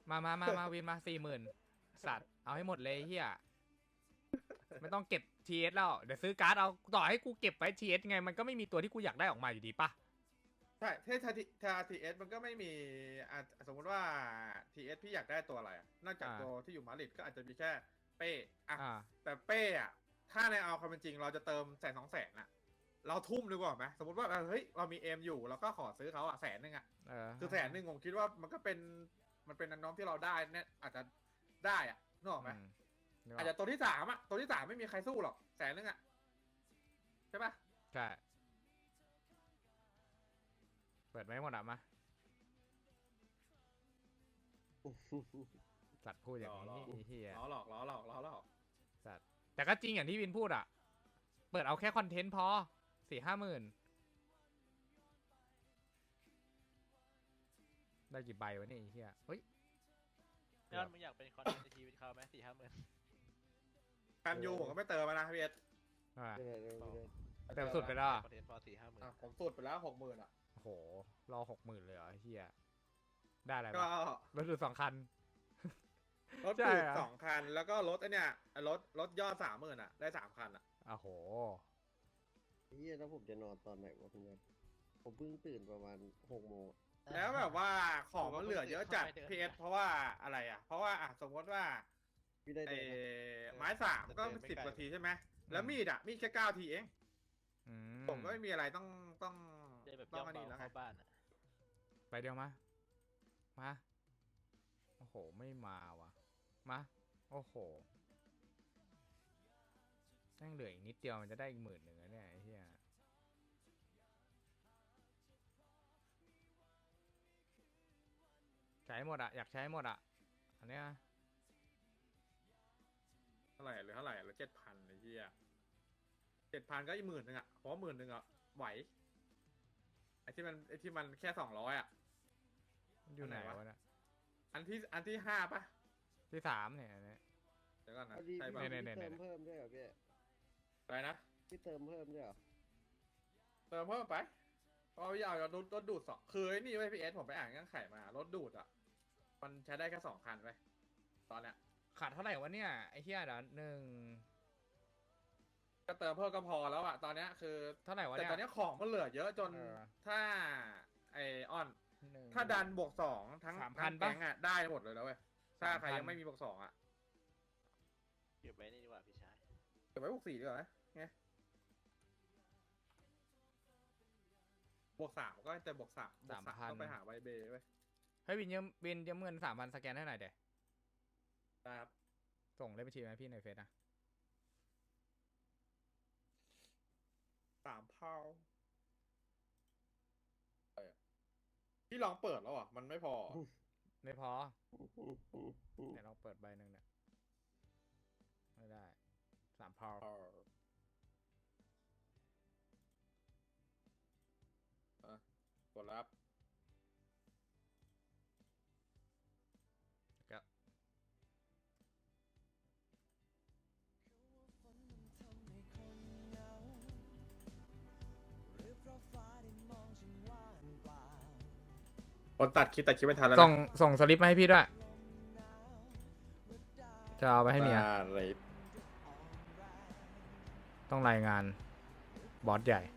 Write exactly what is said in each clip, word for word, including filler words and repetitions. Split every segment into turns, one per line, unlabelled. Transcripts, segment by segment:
มามามามาวินมาสี่หมื่นสัตว์เอาให้หมดเลยเฮียไม่ต้องเก็บทีเอสแล้วเดี๋ยวซื้อการ์ดเอาต่อให้กูเก็บไว้ทีเอสไงมันก็ไม่มีตัวที่กูอยากได้ออกมาอยู่ดีปะ
ใช่ถ้าถ้าถ้าทีเอสมันก็ไม่มีอ่ะสมมติว่าทีเอสพี่อยากได้ตัวอะไรอะนอกจากตัวที่อยู่มาดริดก็อาจจะมีแค่เป้อะ
อ่า
แต่เป้อะถ้าในเอาความเป็นจริงเราจะเติมแสนสองแสนอะเราทุ่มดีกว่าไหมสมมติว่าเฮ้ยเรามีเอ็มอยู่เราก็ขอซื้อเขาอะแสนหนึ่งอะ
เออ
คือแสนหนึ่งผมคิดว่ามันก็เป็นมันเป็นน้องที่เราได้เนี่ยอาจจะได้อะนึกออกไหม
อืมนึกอ
อา
อ
จ
ก
จะตัวที่สามอะตัวที่สามไม่มีใครสู้หรอกแสนหนึ่งอะใช่ปะ
ใช่เปิดไม่หมดอ่ะมาสัตว์พูดอย่างนี้เฮีย
ล้อหลอกล้อหลอกล้อหลอก
สัตว์แต่ก็จริงอย่างที่วินพูดอ่ะเปิดเอาแค่คอนเทนต์พอสี่ห้าหมื่นได้กี่ใบวะเนี่ยไอ้เฮียเฮ้ย
ยอดมึงอยากเป็นคอนเทนต์ในชีวิตเขาไหมสี่ห้าหมื่น
แคมยูผมก็ไม่เติมมานะพี่เอส
อ่า
ไม่ได้ไม่ได้
เต็มสุดไปแล้วอะ
คอนเทนต์พอสี่ห้าหมื่น
อ่ะผมสุดไปแล้วหกหมื่นอะ
โอ้โหรอหกหมื่นเลยเหรอไอ้เฮียได้อะไร
ก็
บ้างรถดูดสองคัน
รถ
ใช่
ดูด
อะ
สองคันแล้วก็รถไอเนี่ยรถรถยอดสามหมื่นอะได้สามคันอะ
โอ้โห
เฮียแล้วผมจะนอนตอนไหนวะพี่เนี่ยผมเพิ่งตื่นประมาณหกโมง
แล้วแบบว่าของมันเหลือเยอะจัดพีเอสเพราะว่าอะไรอะเพราะว่าอ่ะสมมติว่า
พี่ได้
ไอ้
เดินนะ
ไม้สามก็สิบนาทีใช่ไหมแล้วมีดอะมีดแค่เก้าทีเอง
อื
ผมก็ไม่มีอะไรต้องต้อง
ได้แบบ
ต้
ย่
อ
อง ง
อัน
เบา
นี้แล้วไง
เข้าบ้านอ่ะ
ไปเดียวมามาโอ้โหไม่มาว่ะมาโอ้โหแม่งเหลืออีกนิดเดียวมันจะได้อีกหมื่นหนึ่งแล้วเนี่ยไอ้เหี้ยใช้หมดอะอยากใช้หมดอะอันเนี้ย
เท่าไหร่หรือเท่าไหร่หรือเจ็ดพันไอ้เหี้ยเจ็ดพันก็อีกหมื่นหนึ่งอะเพราะหมื่นหนึ่งอะไหวไอ้ที่มันไอ้ที่มันแค่สองร้อยอะ
มันอยู่ไหน
อันไหนวะ
วะเนี่ย
อันที่อันที่ห้าปะ
ที่สามเนี่ยอันเนี้ย
เดี๋ยวก่อนนะ
พอดี
ใช่
พี่
ปะ
เนี่ย
พี่เติมเพิ่มด้วยเหรอพี่
อะไรนะ
พี่เติมเพิ่มด้วยเหรอ
เติมเพิ่มไปเพราะว่าอยากจะรถรถดูดสองคือไอ้นี่ไว้พีเอสผมไปอ่านเงื่อนไขมารถดูดอะมันใช้ได้แค่สองคันไปตอนเนี้ย
ขาดเท่าไหร่วะเนี่ยไอ้เหี้ยเดี๋ยวหนึ่ง
ก็เติมเพิ่มก็พอแล้วอะตอนเนี้ยคือ
เท่าไหร่วะ
แต่
เนี่ย
ตอนเนี้ยของมันเหลือเยอะจน
เออ
ถ้าไอออน
หนึ่ง
ถ้าดันบวกสองทั้ง
สามพั
ทั้
น
ง
ปะ
แก๊งอะได้หมดเลยแล้วเว้ยถ้าใคร
สามพัน
ยังไม่มีบวกสองอะ
เก็บไว้นี่ดีกว่าพี่ชาย
เก็บไว้บวกสี่ดีกว่าไหมไงบวกสามก็จะบวกสามบวกสามก็ไปหาไวเบย์ไว้ย
เฮ้ยวินยืมวินยืมเงินสามพันสแกนให้หน่อยเดี๋ยว
ได้ครับ
ส่งเลขบัญชีมาให้พี่ในเฟซนะ
สามเผาเออพี่ลองเปิดแล้วอ่ะ มันไม่พอ
ไม่พอเดี๋ยวเราเปิดใบหนึ่งเนี่ยไม่ได้สามพาว
เอออ่ะกดรับ
ก็
คนตัดคลิปตัดคลิปไม่ทันแล้ว
ส่งส่งสลิปมาให้พี่ด้วย จะเอาไปให้เมีย
อะไร
ต้องรายงานบอสใหญ่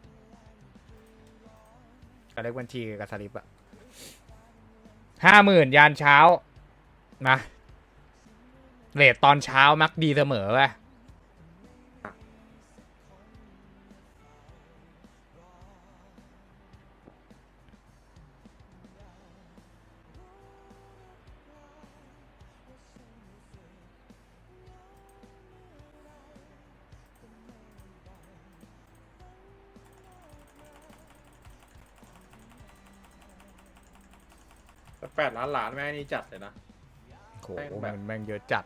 กับเลขบัญชีกับสลิปอะห้าหมื่นยานเช้านะเรทตอนเช้ามักดีเสมอเว้ย
แปดล้านหลานแม่นี่จัดเลยนะ
โห
แม่งแบบ
มันแม่งเยอะจัด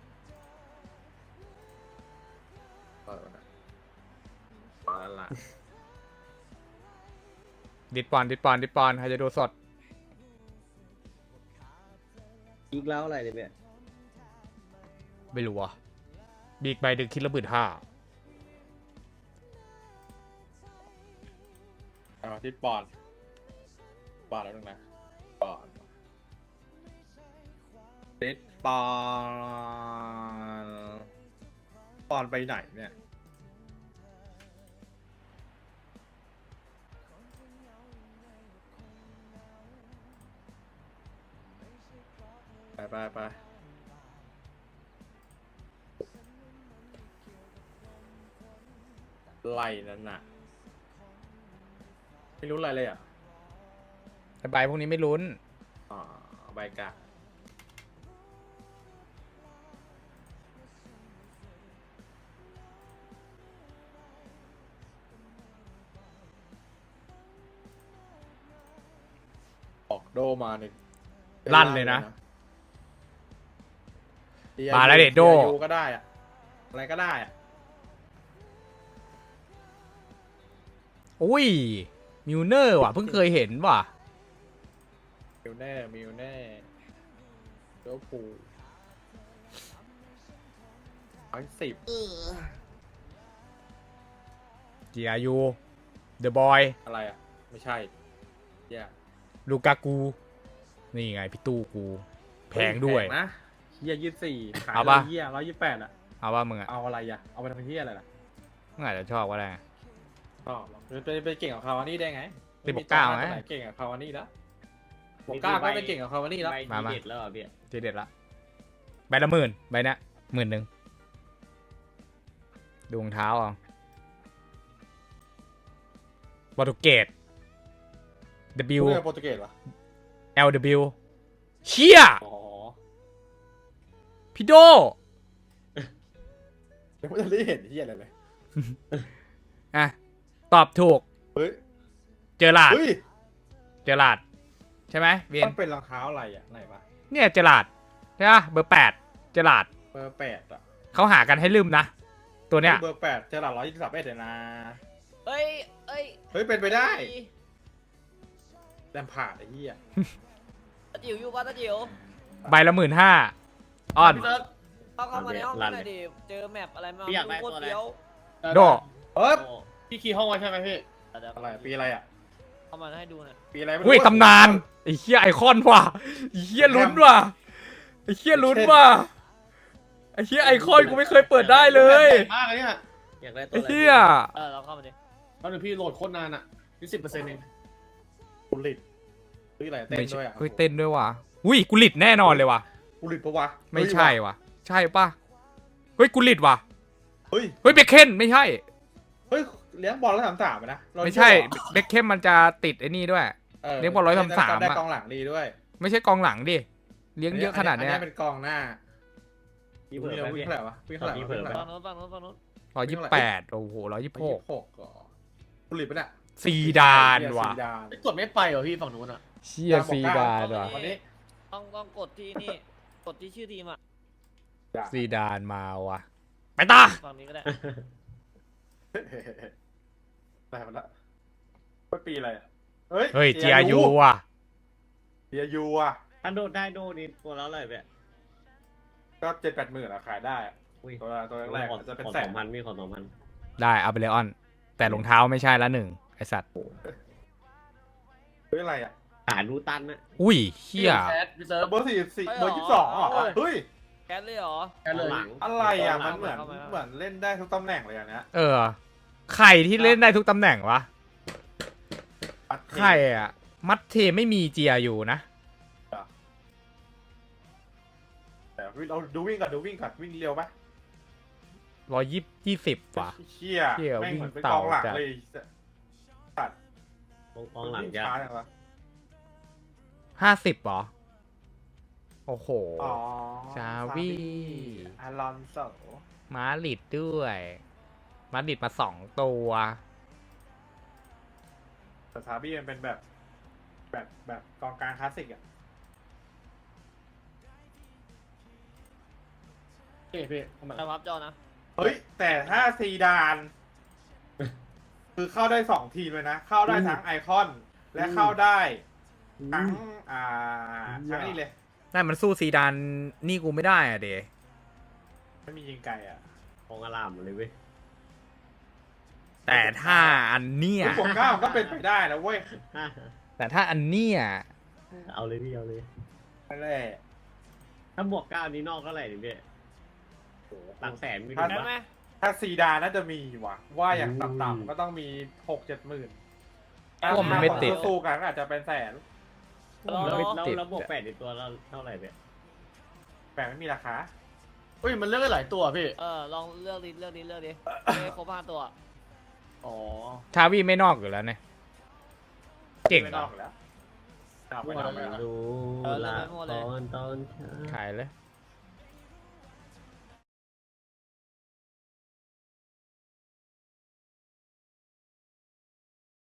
เปิดนะล้านหลาน
ดิดปอนดิดปอนดิดปอนใครจะดูสด
อีกแล้วอะไรเนี่ยพี่
ไม่รู้อ่ะบีกใบดึกคิดระบืดห้า
เอาที่ปอนปอนแล้วนึงนะปอนเดดปอนปอนไปไหนเนี่ยไปไปไปไล่นั่นน่ะไม่รู้อะไรเลยอ่ะ
แต่ใบพวกนี้ไม่ลุ้น
อ๋อใบกะออกโดมาเนี่ย
ลั่นเลยนะ
ดีไอ
มาแล้วเด็ดโด
ดีไอยูก็ได้อะอะไรก็ได้อะ
อุ้ยมิวเนอร์ว่ะเพิ่งเคยเห็นว่ะ
มิวแน่มิวแน่เจ้าปูร้อยสิบ
จีอายูเดอะบอย
อะไรอ่ะ ไม่ใช่แย่
ลูกากู นี่ไงพี่ตู้กู แพงด้วย
นะเฮียยี่สี่ขาย
เอา
เล
ปะ
ยเฮียร้อยยี่แปดอ่ะ
เอาว่ามึงอะ
เอาอะไรอ่ะ เอาไปทำเฮียอะไรล่ะ
มึงอาจจะชอบก็ได้
อ๋อไปไปเก่งกับคาวานี่ได้ไง
เป็นบอกเก้าไหม
ตัวไหนเก่งกับคาวานี่แล้วบอกเก้าก็ไปเก่งกับคาวานี่แล้ว
ใบ
มา
ที
มา
เด็ดแล้วเหรอพี่
ทีเด็ดละใบละหมื่นใบเนี้ยหมื่นหนึ่งดวงเท้าเอาบอตุเกต W
พูดเรื่องโปรตุเกสเหรอ
L W เชี่ย
อ๋อ
พี่โด
ยังไม่ได้เห็นเฮียอะไรเลย
อ่ะ ตอบถูก
เฮ้ย
เจอหลาด
เฮ้ย
เจอหลาด ใช่ไหมเวียน
มันเป็นรองเท้าอะไรอ่ะไหนวะ
เนี่ยเจอหลาดใช่ปะเบอร์แปดเจอหลาด
เบอร์แปดอ่ะ
เขาหากันให้ลืมนะ ตัวเนี้ย
เบอร์แปดเจอหลักร้อยยี่สิบสามเอ็ดเลยนะ
เอ้ยเอ้ย
เฮ้ยเป็นไปได้แลมพาร์ดไอ้เหี้ย
ตาจิ๋วอยู่ป่ะตาจิ๋ว
ใบละหมื่นห้าออน
พี่เซิร์ฟ
เข้าเข้ามาในห้องหน่อยดิเจอแมปอะไรมา
พี่อยากได้
โคต
ตัว
ร
อะไร
เฟี้ยว
โด
เฮ้ย
โอ้พี่คีย์ห้องไว้ใช่ไหมพี่
เดี๋ยว
อะไรปีอะไรอ่ะ
เข้ามาให้ดูหน่อย
ปีอะไรไม่รู้
อุ้ยตำนานไอ้เหี้ยไอคอนว่ะไอ้เหี้ยลุ้นว่ะไอ้เหี้ยลุ้นว่ะไอ้เหี้ยไอคอนกูไม่เคยเปิดได้เลย
ใหญ่มากเลยเนี่ย
อยากได้ตัว
ไอ้
อะไร
เหี้ย
เออเราเข้ามาดิ
ตอนนึงพี่โหลดโคตรนานอ่ะยี่สิบเปอร์เซ็นต์เอง
กุลิตเฮ้ยอะไรเต้น
ไม่
ด้
ใช่
วยอ่ะ
เฮ้ยเต้นด้วยว่ะอุ้ยกูหลิดแน่นอนเลยว่ะ
กุลิตปะวะ
ไม่ใช่ว่ะ ใช่ปะเฮ้ยกูหลิดว่ะ
เฮ้ย
เฮ้ยเบคเคนไม่ใช่
เฮ้ยเลี้ยงบอลแล้วสามสามนะ
ไม่ใช่เบคเคนมันจะติดไอ้นี่ด้วย เลี้ยงบอลร้อยสามสาม
ได้
อะ
กองหลังดีด้วย
ไม่ใช่กองหลังดิเลี้ยงเยอะขนาดเนี้ย
อัเป็นกองหน้า
พี่เผลอ
วิ่ง
ไป
วิ่ง
พี่
เท่าไหร่วะวิ่งเท่าไหร่
พี่เผลอไป
ฝั่งโน้นฝั่งโน้นฝั่งโน้น
ร้อยยี่สิบแปดโอ้โหร้อยยี่สิบหก
หกก่อกุลิตปะเนี่ย
ซีดานว่ะ
ซีดาน
กดไม่ไปเหรอพี่ฝั่งนู้นอ่ะ
เชียซีดานว่ะ
วันนี้
ต้องต้องกดที่นี่กดที่ชื่อทีมอ่ะ
ซีดานมาว่ะไปตา
ฝั่งนี้ก็ได้
ได้มาละว่าปีอะไรอ่ะเฮ้ย
เฮ้ยจีอายูว่ะ
จีอายูอ่ะ
ถ้าโดดได้โดดนี่ตัวแล้วเลยพี่
ก็เจ็ดแปดหมื่นอะขายได้อะ
อุ้ย
ตัวตัวแรกๆ
ขอ
อาจจะเป็น
ขอ
แส
ส
น
องพันพี่ขอสองพัน
ได้เอาไปเลยออน แต่รองเท้าไม่ใช่ละหนึ่งไอสัตว์
เฮ้ยอะไรอ่ะ
ขาดูตันนะ
อุ้ยเฮีย
แคสพี่เซิร์ฟ
เบอร์สี่สี่เบอร์ยี่สิบสองเหรอเฮ้ย
แก๊สเลยเหรอ
แค่เลย
อะไรอ่ะมันเหมือน
เข้ามาเข้ามา
เหมือนเล่นได้ทุกตำแหน่งเลยอันเนี้ย
เออใครที่เล่นได้ทุกตำแหน่งวะ
ปัดเท
ใครอ่ะ มัดเทไม่มีจีอายูนะ
แต่เราดูวิ่งก่อนดูวิ่งก่อนวิ่งเร็วปะ
ร้อยยี่ยี่สิบว่ะ
เชี่ย
เชี่ย
แม่งเหมือนเป็น
วิ่ง
กองหลัง
เต่า
เลยตัด
กองหลัง
วิ่
จะ
ช้าจังวะ
ห้าสิบหรอ โอ้โห
อ๋อ
ชาวี
อารอนโซ
มาลิดด้วย มาลิดมาสองตัว
แต่ซาบี้มันเป็นแบบ แบบแบบกองกลางคลาสสิกอ่ะ
เฮ้ยพี่เข้ามา
แต่พับจอนะ
เฮ้ย แต่ถ้าซีดาน คือเข้าได้สองทีมเลยนะ เข้าได้ทั้งไอคอน และเข้าได้ทั้งอ่าทั้งนี่เลย
นั่นมันสู้ซีดานนี่กูไม่ได้อะเด
ไม่มียิงไกลอ่ะ
กองอารามหมดเลยเว้ย
แต่ถ้าอันเนี้ย
ลูกบวกเก้าก็เป็นไปได้นะเว้ย
แต่ถ้าอันเนี้ย
เอาเลยพี่เอาเลย
นั่นแหละ
ถ้าบวกเก้านี้นอกเท่าไหร่ดิพี่หลักแสนมี
ถ้า
ดู
ได้
ปะ
ไหม
ถ้าซีดานน่าจะมีว่ะ ว่าอย่าง
อืม
ต่ำๆก็ต้องมีหกเจ็ดหมื่น
เพราะว่ามันไม่ติด
สู้ๆกันก็อาจจะเป็นแสน
แล้ว
ไม่
แล้ว
ติด
แล้วบวกแปดในตัวเราเท่าไหร่พี่
แปลไม่มีราคา
อุ้ยมันเลือกได้หลายตัวพี่
เออลองเลือกดิเลือกดิเลือกดิไม่ครบห้าตัว
อ๋อ
ทาวีไม่นอกอยู่แล้วเนี่ยเก่ง
ไม่
เหร
น
อ
อกแล้วนอกไปนอกไปแล้ว
ดู
เออเล่
ละ
นไปหมดเลย
ตอนตอนเช้า
ขายเลย